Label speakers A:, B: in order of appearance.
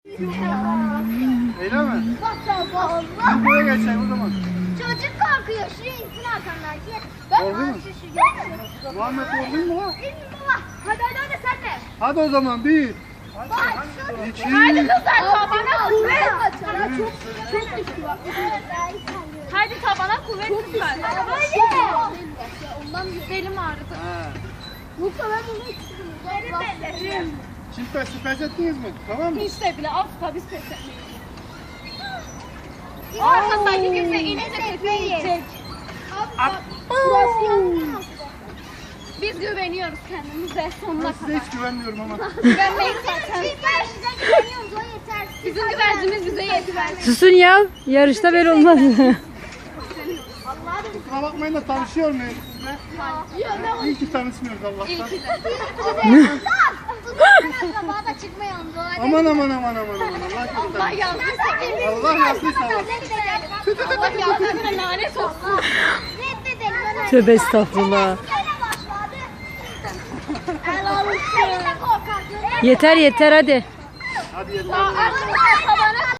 A: Öyle mi? Biz buraya geçelim o zaman.
B: Çocuk korkuyor. Şuraya insin arkamdan.
A: Korkuyor mu? Muhammed korkuyor mu lan?
B: Hadi sen de.
A: Hadi o zaman bir. İki.
B: Hadi kızlar tabana kuvvet. Çok düştü bak. Hadi tabana kuvvet kızlar. Belim ağrıdı. Yoksa ben bunu istiyorum.
A: Çift pes ettiniz mi? Tamam mı?
B: İşte bile asla biz pes etmeyiz. Arkasındaki kimse inince tepeye yiyecek. Biz güveniyoruz kendimize sonuna
A: Ben size
B: kadar.
A: hiç güvenmiyorum ama.
B: Güvenmeyiz zaten. Bizim güvercimiz bize yeter.
C: Susun ya. Yarışta böyle olmaz.
A: Kusura bakmayın da tanışıyor muyuz sizle? İyi ki tanışmıyoruz Allah'tan. Aman. Allah
B: Allah yazdıysa
A: Allah yazdıysa.
B: Allah yazdıysa lanet olsun.
C: Tövbe estağfurullah. Yeter hadi.
A: Hadi yeter.
B: Arkadaşlar tabana